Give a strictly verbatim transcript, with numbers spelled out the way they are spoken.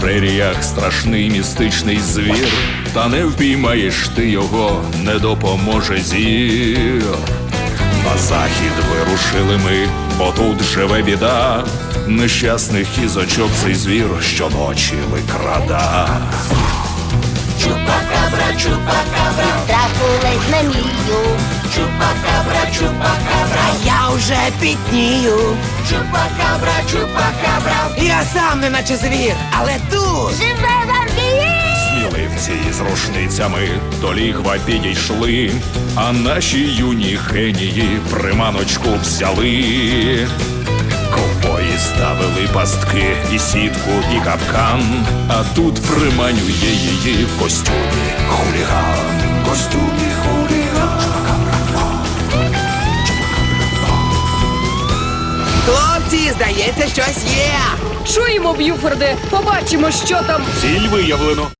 преріях страшний містичний звір, та не впіймаєш ти його, не допоможе зір. На захід вирушили ми, бо тут живе біда, нещасних кізочок цей звір щоночі викрада. Чупакабра, чупакабра, Страху ледь не мрію. чупакабра, чупакабра, А я вже пітнію. чупакабра, чупакабра. Я сам не наче звір, але тут Живе вампір! Сміливці з рушницями до лігва підійшли, а наші юні генії приманочку взяли. Ковбої ставили пастки і сітку, і капкан, а тут приманює її в костюмі хуліган. Костюмі хуліган. хлопці, здається, щось є. Чуємо, Б'юфорде, побачимо, що там. Ціль виявлено.